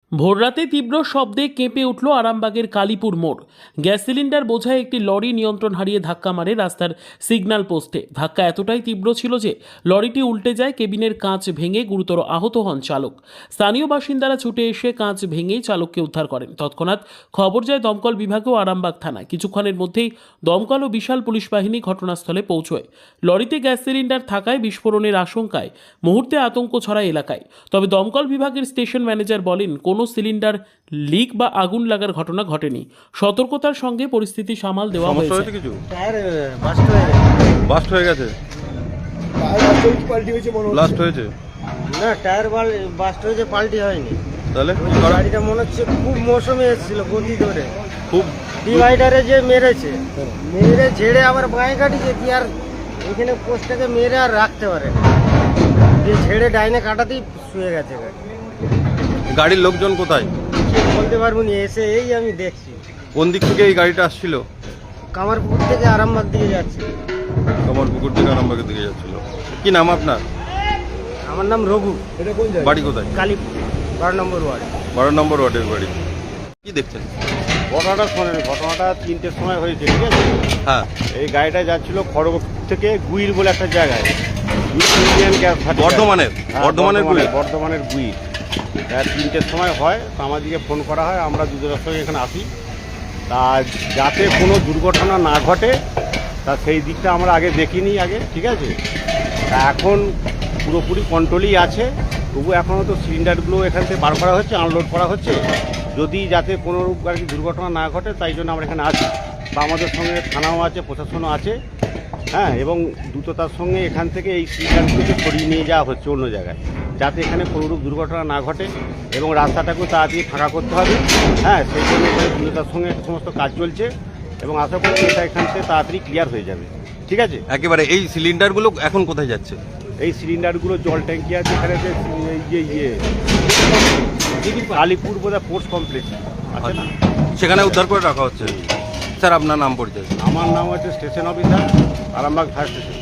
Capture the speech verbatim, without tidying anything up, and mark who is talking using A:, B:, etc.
A: ভোররাতে তীব্র শব্দে কেঁপে উঠল আরামবাগের কালীপুর মোড়। গ্যাস সিলিন্ডার বোঝায় একটি লরি নিয়ন্ত্রণ হারিয়ে ধাক্কা মারে রাস্তার সিগন্যাল পোস্টে। ধাক্কা এতটাই তীব্র ছিল যে লরিটি উল্টে যায়, কেবিনের কাঁচ ভেঙে গুরুতর আহত হন চালক। স্থানীয় বাসিন্দারা ছুটে এসে কাঁচ ভেঙেই চালককে উদ্ধার করেন। তৎক্ষণাৎ খবর যায় দমকল বিভাগ ও আরামবাগ থানায়। কিছুক্ষণের মধ্যেই দমকল ও বিশাল পুলিশ বাহিনী ঘটনাস্থলে পৌঁছয়। লরিতে গ্যাস সিলিন্ডার থাকায় বিস্ফোরণের আশঙ্কায় মুহূর্তে আতঙ্ক ছড়ায় এলাকায়। তবে দমকল বিভাগের স্টেশন ম্যানেজার বলেন, কোনো সিলিন্ডার লিক বা আগুন লাগার ঘটনা ঘটেনি। সতর্কতার সঙ্গে পরিস্থিতি সামাল দেওয়া
B: সমস্যা
A: হয়েছে।
B: হয়েছে কিছু?
C: টায়ার বাস্ট হয়ে গেছে।
B: বাস্ট হয়ে গেছে?
C: পাল্টি হয়েছে মনে হচ্ছে।
B: ব্লাস্ট হয়েছে?
C: না, টায়ার বাস্ট হয়েছে, পাল্টি হয়নি।
B: তাহলে
C: ওই গাড়িটা মনে হচ্ছে খুব মৌসুমে এসেছিল গতি ধরে,
B: খুব
C: ডিভাইডারে যে মেরেছে, মেরে ঝেড়ে আবার বাঁয়ে কাটিছে কি আর এখানে পোস্টটাকে মেরে আর রাখতে পারে না, যে ঝেড়ে ডাইনে কাটাতেই শুয়ে গেছে গাড়ি।
B: গাড়ির লোকজন কোথায়?
C: কি বলতে পারবো না, এসে এই আমি দেখছি।
B: কোন দিক থেকে এই গাড়িটা আসছিল?
C: কামারপুকুর থেকে আরামবাগ দিকে যাচ্ছে।
B: তোমার পুকুর থেকে আরামবাগের দিকে যাচ্ছিল। কি নাম আপনার?
C: আমার নাম রঘু। এটা কোন জায়গা?
B: বাড়ি কোথায়?
C: কালীপুর, বারো নম্বর ওয়ার্ড।
B: বারো নম্বর ওয়ার্ডের বাড়ি। কি দেখছেন?
D: ঘটনাটা শোনেন, ঘটনাটা তিনটের সময় হয়েছে, ঠিক আছে?
B: হ্যাঁ,
D: এই গাড়িটা যাচ্ছিল খড়গপুর থেকে গুইর বলে একটা জায়গায়, ইন্ডিয়ান গ্যাস ভাটি।
B: বর্ধমানের
D: হ্যাঁ,
B: বর্ধমানের গুলি।
D: বর্ধমানের গুইর। হ্যাঁ, তিনটের সময় হয়, তো আমাদেরকে ফোন করা হয়, আমরা দুজনের সঙ্গে এখানে আসি। তা যাতে কোনো দুর্ঘটনা না ঘটে তা সেই দিকটা আমরা আগে দেখিনি আগে, ঠিক আছে? তা এখন পুরোপুরি কন্ট্রোলই আছে, তবু এখনও তো সিলিন্ডারগুলো এখান থেকে বার করা হচ্ছে, আনলোড করা হচ্ছে, যদি যাতে কোনোরূপ আর কি দুর্ঘটনা না ঘটে, তাই জন্য আমরা এখানে আছি। বা আমাদের সঙ্গে থানাও আছে, প্রশাসনও আছে, হ্যাঁ, এবং দ্রুততার সঙ্গে এখান থেকে এই সিলিন্ডারগুলোকে সরিয়ে নিয়ে যাওয়া হচ্ছে অন্য জায়গায়, যাতে এখানে কোনোরূপ দুর্ঘটনা না ঘটে এবং রাস্তাটাকেও তাড়াতাড়ি ফাঁকা করতে হবে। হ্যাঁ, সেই জন্য এখানে দ্রুততার সঙ্গে সমস্ত কাজ চলছে এবং আশা করি এটা এখান থেকে তাড়াতাড়ি ক্লিয়ার হয়ে যাবে, ঠিক আছে?
B: একেবারে এই সিলিন্ডারগুলো এখন কোথায় যাচ্ছে?
D: এই সিলিন্ডারগুলো জল ট্যাঙ্কি আছে এখানে, যে এই যে ইয়ে কালীপুর বোধহয় পোস্ট কমপ্লেক্স আছে না,
B: সেখানে উদ্ধার করে রাখা হচ্ছে। স্যার, আপনার নাম পরিচয়?
D: আমার নাম হচ্ছে station officer, Arambagh fire station.